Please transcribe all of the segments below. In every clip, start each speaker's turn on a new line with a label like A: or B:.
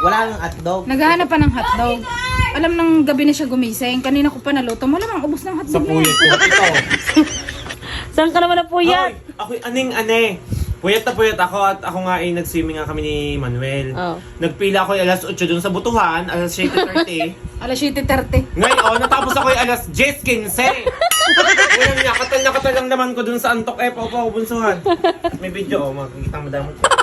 A: Wala nang hotdog.
B: Naghahanap pa ng hotdog. Alam ng gabi na siya gumising. Kanina ko pa naluto. Malamang ubos ng
A: Sa
B: hotdog na
A: puyat
B: yan.
A: ko. Ito.
C: Saan ka naman na puyat?
A: Hoy, ako'y aning-ane. Puyat na puyat ako at ako nga ay nag-swimming nga kami ni Manuel.
C: Oh.
A: Nagpila ako ay alas 8 dun sa Butuhan, alas 7:30.
B: Alas 7:30.
A: Ngayon, natapos ako ay alas 10:15. Ngayon nga, katal lang naman ko dun sa antok paupo ako bunsuhan. At may video, makikita mo damot ko.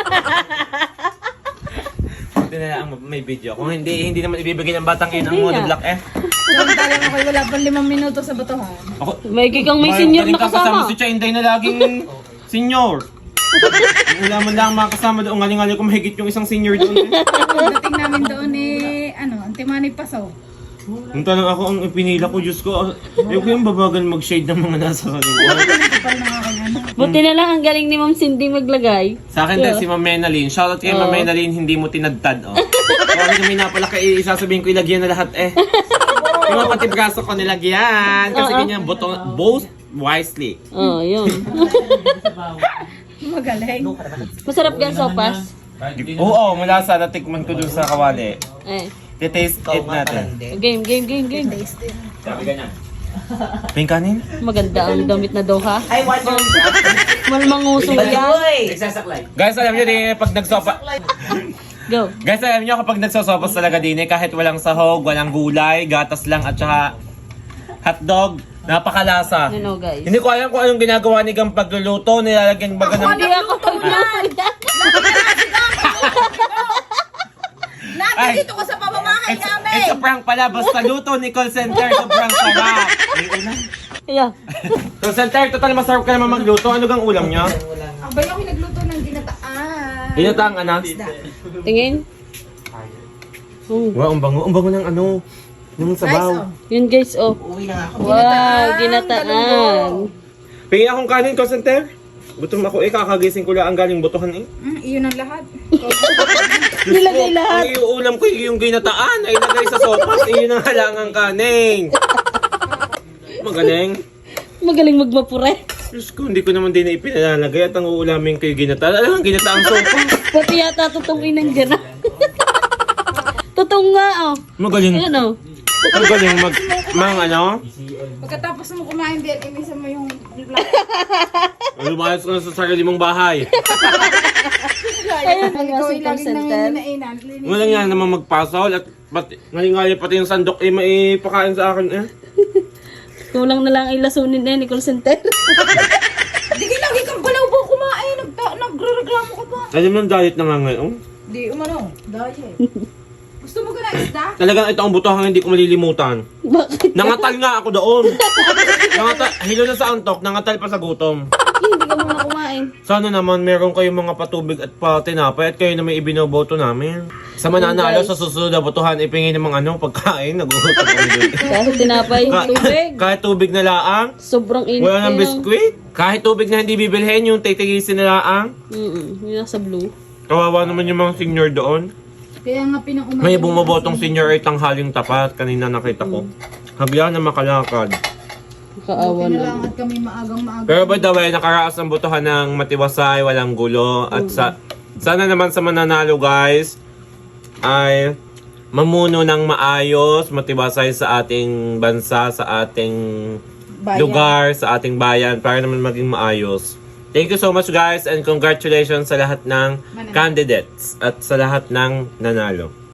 A: Buti na lang may video. Kung hindi naman ibibigay ng batang inang mo,
C: Hindi
A: nag-lock
B: Samantalang ako wala pang 5 minuto sa batuhan.
A: Ako,
C: May kikang may senior na kasama.
A: Si Chinday na laging senior. Wala man lang makasama doon. Ngaling-ngaling ko mahigit yung isang senior doon.
B: Dating namin doon Antimanay Paso.
A: Yung tanong ako, ang ipinila ko, Diyos ko, yung ko yung babagal mag-shade ng mga nasa kaluwa.
B: Kapal ng aking anak.
C: Buti na lang ang galing ni Ma'am Cindy maglagay.
A: Sa akin din, si Ma'am Menalyn. Shoutout kay Ma'am Menalyn, hindi mo tinadtad. Oh. Sorry na may napalaki, isasabihin ko ilagyan na lahat eh. Yung mga pati braso ko nilagyan. Kasi ganyan, both wisely.
C: Oh, yun.
B: Magaling.
C: Masarap yan sopas.
A: Oo, malasa. Natikman ko dun sa kawali.
C: Eh.
A: Titaste it natin.
C: Game.
A: Sabi ganyan. Pink kanin?
C: Maganda ang damit na doha.
D: Ay, watch your
C: Malmangusong yan.
D: Nagsasaklay.
A: Guys, alam nyo din, pag nagsopa...
C: Go.
A: Guys, alam nyo kapag nagsosopas talaga din kahit walang sahog, walang gulay, gatas lang at saka hotdog, napakalasa.
C: Ano guys?
A: Hindi ko alam kung anong ginagawa ni Gam pagluluto, nilalagyan baga ng...
C: Hindi ako pagluto.
B: Nandito ko sa pamamahay namin.
A: It's a prank pala, basta luto ni call center, sobrang sarap.
C: Yeah.
A: Call center, total masarap ka naman magluto. Ano gang ulam niya?
B: Abay ako nagluto ng ginataan.
A: Ginataang anak?
C: Tingin.
A: Wow, ang bango ng ano, ng sabaw.
C: Yun guys, oh.
D: Uwi na nga ako.
C: Wow, ginataan.
A: Pingi akong kanin, call center. Gutom ako kakagising ko lang ang galing butuhan
B: Iyon ang lahat.
C: Nilagay lahat.
A: Ang iuulam ko yung ginataan ay lagay sa sopas, iyon ang halangang kanin. Magaling.
C: Magaling magmapure.
A: Diyos ko, hindi ko naman din ipinalalagay at ang uulamin ko yung ginataan. Alam, ang ginataang sopas.
C: Pati yata tutungin ng gana. Tutong nga, oh.
A: Magaling.
C: Ayan, oh.
A: Magaling ano?
B: Pagkatapos mo kumain din, inisa mo yung
A: Lumayas ko na sa sarili mong bahay.
C: Ayan,
B: ikaw ay
C: ang call
B: laging
C: center.
B: nanginainan.
A: Walang yan naman magpasol at ngalingali pati yung sandok maipakain sa akin eh.
C: Kulang na lang ay lasunin na ni call center.
B: Di lagi kang balaw po kumain. Nagre-reklamo ka pa.
A: Alam mo, diet na nga ngayon.
B: Di umano. Dahil. Gusto mo ka na isda?
A: Talagang ito ang butuhang hindi ko malilimutan.
C: Bakit?
A: Nangatal nga ako doon. Hilo na sa antok, nangatal pa sa gutom.
C: Hindi ka muna kumain.
A: Sana naman meron kayong mga patubig at patinapay at kayo na may ibinoboto namin. Sa mananalo sa susunod na botohan, ipingin ng mga pagkain, nagugutom kami doon.
C: Kahit tinapay, tubig.
A: Kahit tubig na laang,
C: Sobrang init.
A: wala ng
C: yun,
A: biskwit. Kahit tubig na hindi bibilhin, yung titigisin na laang.
C: Yun nasa blue.
A: Kawawa naman yung mga senior doon.
B: Kaya nga pinaumaga.
A: May bumabotong senior ay tanghaling tapat. Kanina nakita ko. Hagla na makalakad.
C: Kaawa na.
B: Kailangan at kami maagang.
A: Pero by the way, nakaraas ang botohan ng matiwasay, walang gulo. At sana naman sa mananalo guys, ay mamuno ng maayos, matiwasay sa ating bansa, sa ating lugar, sa ating bayan, para naman maging maayos. Thank you so much guys and congratulations sa lahat ng candidates at sa lahat ng nanalo.